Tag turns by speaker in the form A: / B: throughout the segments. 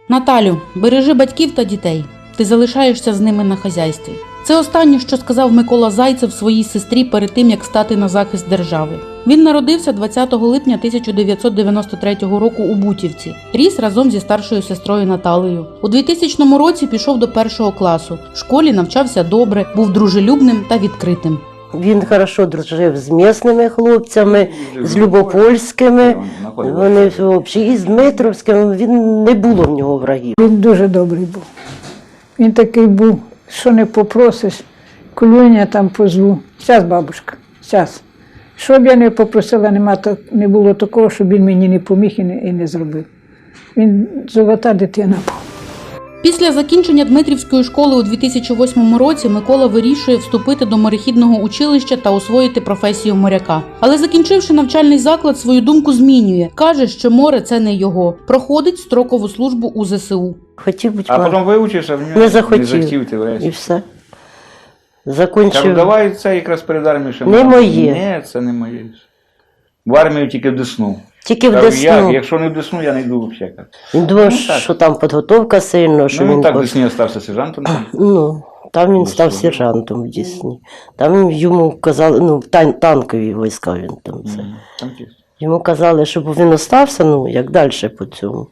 A: Наталю, бережи батьків та дітей. Ти залишаєшся з ними на хазяйстві. Це останнє, що сказав Микола Зайцев своїй сестрі перед тим, як стати на захист держави. Він народився 20 липня 1993 року у Бутівці. Ріс разом зі старшою сестрою Наталею. У 2000 році пішов до 1 класу. В школі навчався добре, був дружелюбним та відкритим.
B: Він хорошо дружив з місними хлопцями, з любопольськими, вони взагалі, і з Дмитровськими, він не було в нього врагів.
C: Він дуже добрий був. Він такий був, що не попросиш, Колюня там позву. Щас, бабушка, щас. Що б я не попросила, не було такого, щоб він мені не поміг і не зробив. Він золота дитина був.
A: Після закінчення Дмитрівської школи у 2008 році Микола вирішує вступити до морехідного училища та освоїти професію моряка. Але закінчивши навчальний заклад, свою думку змінює. Каже, що море – це не його. Проходить строкову службу у ЗСУ.
B: Хотів бути
D: а потім вивчився, в нього
B: не захотів.
D: Не захотів ти врешті.
B: І все. Закінчив.
D: Кажу, давай це якраз перед армією ще
B: Не моє.
D: Ні, це не моє. В армію тільки в Десну.
B: Тільки в
D: Кажу,
B: Десну.
D: якщо не в Десну, я не йду взагалі.
B: Він думав,
D: Ну, так.
B: що там підготовка сильно, що
D: Ну, він так в
B: хоч-
D: Десні остався сержантом.
B: Ну, там він став
D: Десну.
B: сержантом в Дісні. Там йому казали, ну, танкові війська він там це.
D: Там ті.
B: Йому казали, щоб він остався, ну, як далі по цьому.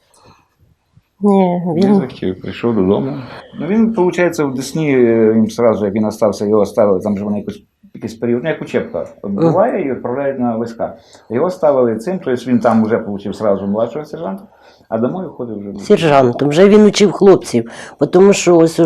B: Ні,
D: Не
B: він
D: захотів, прийшов додому. Ну, він, виходить, в Десні, їм одразу, як він остався, його оставили, там же вони якийсь період, ну, як учебка відбуває і відправляють на війська. Його ставили цим, тобто він там вже отримав одразу младшого сержанта, а домой входив вже.
B: сержантом. Вже він учив хлопців, тому що ось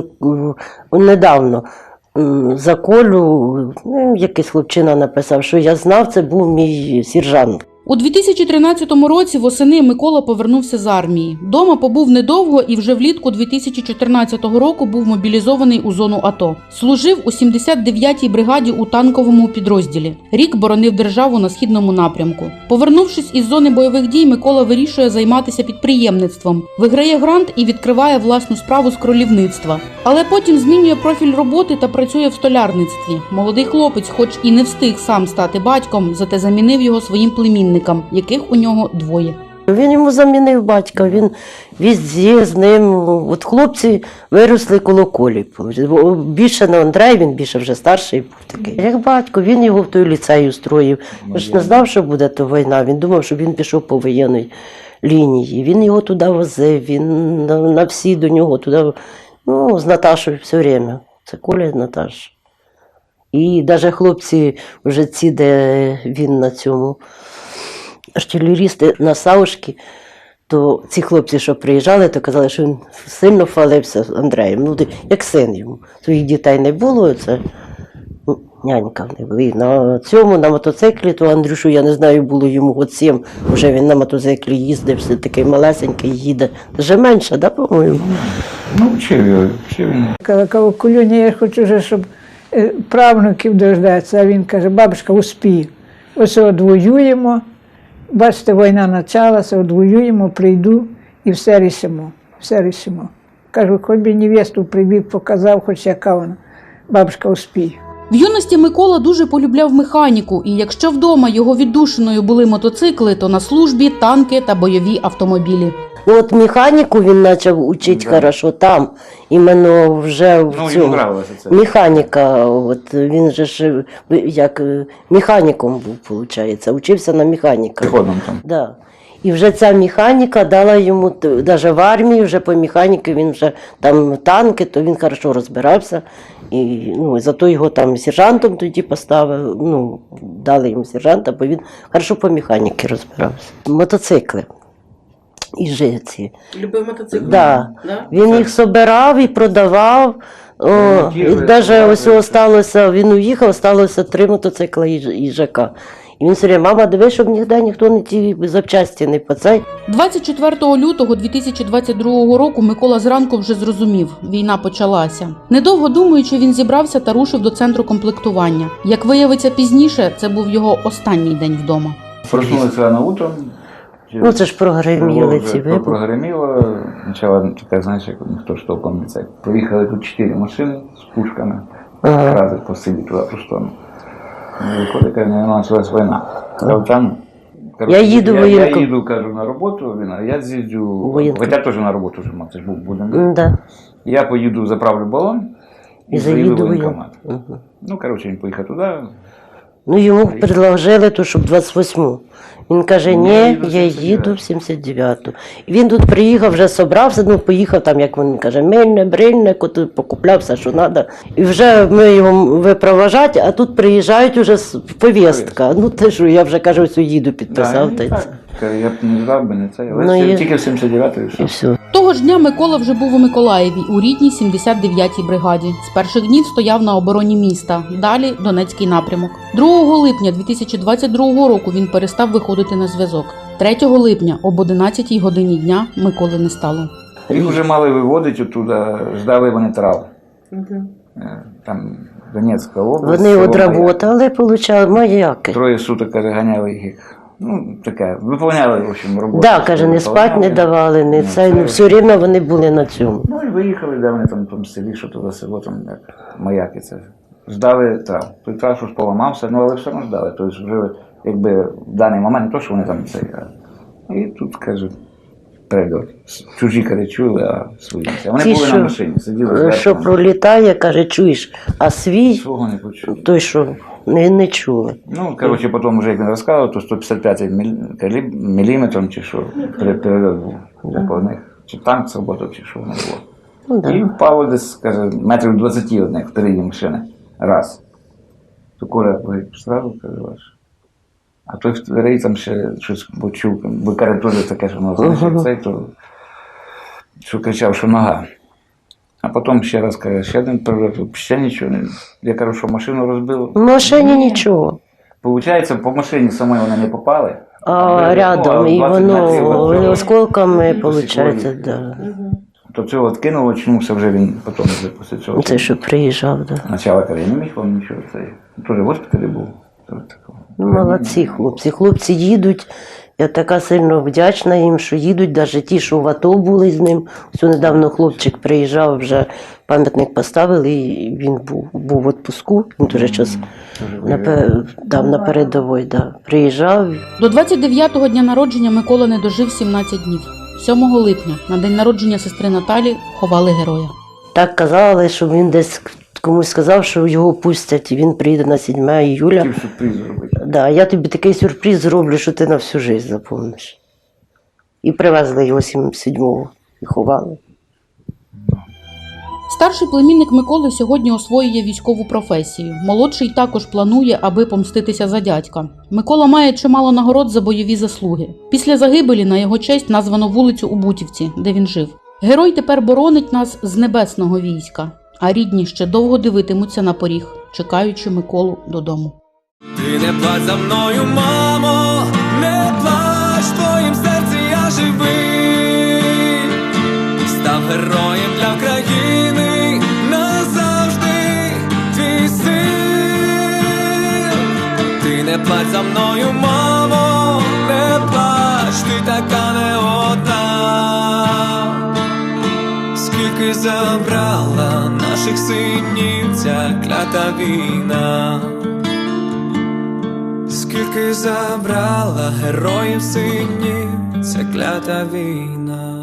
B: недавно за Колю, ну, якийсь хлопчина написав, що я знав, це був мій сержант.
A: У 2013 році восени Микола повернувся з армії. Дома побув недовго і вже влітку 2014 року був мобілізований у зону АТО. Служив у 79-й бригаді у танковому підрозділі. Рік боронив державу на східному напрямку. Повернувшись із зони бойових дій, Микола вирішує займатися підприємництвом. Виграє грант і відкриває власну справу з кролівництва. Але потім змінює профіль роботи та працює в столярництві. Молодий хлопець, хоч і не встиг сам стати батьком, зате замінив його своїм племінникам, яких у нього двоє.
B: Він йому замінив батька, він везде з ним. От хлопці виросли коло Колі. Більше не Андрей, він більше вже старший був такий. Як батько, він його в той ліцей устроїв. Він ж не знав, що буде то війна, він думав, що він пішов по воєнній лінії. Він його туди возив, він на всі до нього туди, ну, з Наташою все время. Це Коля з Наташою. І навіть хлопці вже ці, де він на цьому, артилерісти на Саушки, то ці хлопці, що приїжджали, то казали, що він сильно хвалився з Андреєм. Ну, як син йому. Своїх дітей не було, це нянька в них була. І на цьому, на мотоциклі, то Андрюшу, я не знаю, було йому год 7, вже він на мотоциклі їздив, все такий малесенький їде. Вже менше, да, по-моєму?
D: Ну, вчив він.
C: Казав, Колюня, я хочу вже, щоб правнуків дождатися. А він каже, бабушка, успію. Ось одвоюємо. Бачите, війна почалася, одвоюємо, прийду і все рішимо. Все рішимо. Кажу, хоч би невесту прибіг, показав, хоч яка вона. Бабушка, успію.
A: В юності Микола дуже полюбляв механіку, і якщо вдома його віддушиною були мотоцикли, то на службі танки та бойові автомобілі.
B: Ну, от механіку він почав учити хорошо там, іменно вже в
D: Ну, йому
B: цьому.
D: нравилося це.
B: Механіка, от він же ж як механіком був, виходить, учився на механіка.
D: Приходом там.
B: Да. І вже ця механіка дала йому, навіть в армії, вже по механіки, він вже там танки, то він хорошо розбирався. І, ну, зато його там сержантом тоді поставили, ну, дали йому сержанта, бо він хорошо по механіки розбирався. Мотоцикли. І жиці.
A: Любив мотоцикли?
B: Да. Він їх собирав і продавав. І навіть ось осталося, він уїхав, залишилося 3 мотоцикла і ЖК. І він все время, мама, дивись, щоб ніде ніхто не ті запчасті не поцей.
A: 24 лютого 2022 року Микола зранку вже зрозумів – війна почалася. Недовго думаючи, він зібрався та рушив до центру комплектування. Як виявиться пізніше, це був його останній день вдома.
D: Проснулися на утро.
B: Ну це ж прогреміли ці вибухи.
D: Прогреміло. Спочатку така, знаєш, як ніхто ж толком не це. Приїхали тут 4 машини з пушками.
B: Ага.
D: Рази посиділи туди по сторону. Ну, виходить, каже, почалась війна. Там
B: Я їду в
D: я
B: воєнком.
D: їду, кажу, на роботу, він, а я з'їздю,
B: Воєнком.
D: хоча теж на роботу вже мав, це ж був будинок.
B: Да.
D: Я поїду, заправлю балон
B: І
D: і заїду в
B: заїду в
D: воєнкомат.
B: Угу.
D: Ну, коротше, він поїхав туди.
B: Ну, йому предложили, то, щоб 28-му. Він каже,
D: Ні,
B: ні,
D: я їду в
B: я
D: 79-ту.
B: їду в 79-ту. І він тут приїхав, вже собрався, ну, поїхав там, як він каже, мильне, брильне, тут покупляв все, що треба. І вже ми його випроважати, а тут приїжджають уже повістка. Ну, те, що я вже, кажу, ось їду, підписав. Та й це.
D: Каже, я б не здав би, не це. Але
B: Ну, і-
D: тільки в 79-й і
B: І
D: все.
B: все.
A: Того ж дня Микола вже був у Миколаєві у рідній 79-й бригаді. З перших днів стояв на обороні міста, далі Донецький напрямок. 2 липня 2022 року він перестав виходити на зв'язок. 3 липня об 11 годині дня Миколи не стало.
D: Їх вже мали виводити оттуда, ждали вони трав. Там Донецька область.
B: Вони
D: село
B: одработали, получали маяки.
D: 3 суток, каже, ганяли їх. Ну, таке, виповняли, в общем, роботу.
B: Так, каже, не спать не давали, не це, ну, все рівно вони були на цьому.
D: Ну і виїхали, де вони там в тому селі, що туди село, там як маяки це. Ждали трав. Той трав щось поламався, ну але все одно ждали. Тобто вже якби в даний момент не то, що вони там це. І тут, каже, прильот. Чужі, каже, чули, а свої. А вони
B: Ті,
D: були
B: що-
D: на машині, сиділи зверху.
B: Що пролітає, каже, чуєш, а свій,
D: Свого не почули.
B: той, що не чули.
D: Ну, коротше, потім вже як він розказував, то 155 міліметром чи що, перельот був по них. Чи танк сработав, чи що воно було.
B: Ну,
D: І
B: да.
D: впало десь, каже, метрів 20 одних впереді машини. Раз. То Коля говорить, сразу, каже, ваш. А той вторий там ще щось почув, бо каже, теж таке, що воно значить, цей, то що кричав, що нога. А потім ще раз каже, ще один прильот, ще нічого не. Я кажу, що машину розбило.
B: В машині нічого.
D: Получається, по машині самої вони не попали.
B: А рядом, і
D: 20 метрів від
B: воно
D: цього
B: осколками,
D: посікло
B: виходить,
D: їх.
B: да.
D: То цього откинуло, очнувся вже він потім вже після цього.
B: Це що приїжджав, да.
D: Спочатку каже, я не міг вам нічого. Це теж в госпіталі був.
B: Ну, молодці хлопці. Хлопці їдуть. Я така сильно вдячна їм, що їдуть, навіть ті, що в АТО були з ним. Ось недавно хлопчик приїжджав, вже пам'ятник поставили, і він був в відпуску. Він дуже час на передовій, да. Приїжджав.
A: До 29-го дня народження Микола не дожив 17 днів. 7 липня, на день народження сестри Наталі, ховали героя.
B: Так казали, що він десь комусь сказав, що його пустять, і він приїде на 7 іюля.
D: Хотів сюрприз зробити.
B: Да, я тобі такий сюрприз зроблю, що ти на всю життя запомниш. І привезли його 7-го і ховали.
A: Старший племінник Миколи сьогодні освоює військову професію. Молодший також планує, аби помститися за дядька. Микола має чимало нагород за бойові заслуги. Після загибелі на його честь названо вулицю у Бутівці, де він жив. Герой тепер боронить нас з небесного війська, а рідні ще довго дивитимуться на поріг, чекаючи Миколу додому.
E: Ти не плач за мною, мамо, не плач, в твоїм серці я живий. Став героєм для країни, назавжди твій син. Ти не плач за мною, мамо, не плач, ти така не одна. Скільки забрала наших синів ця клята війна. Скільки забрала героїв синів ця клята війна.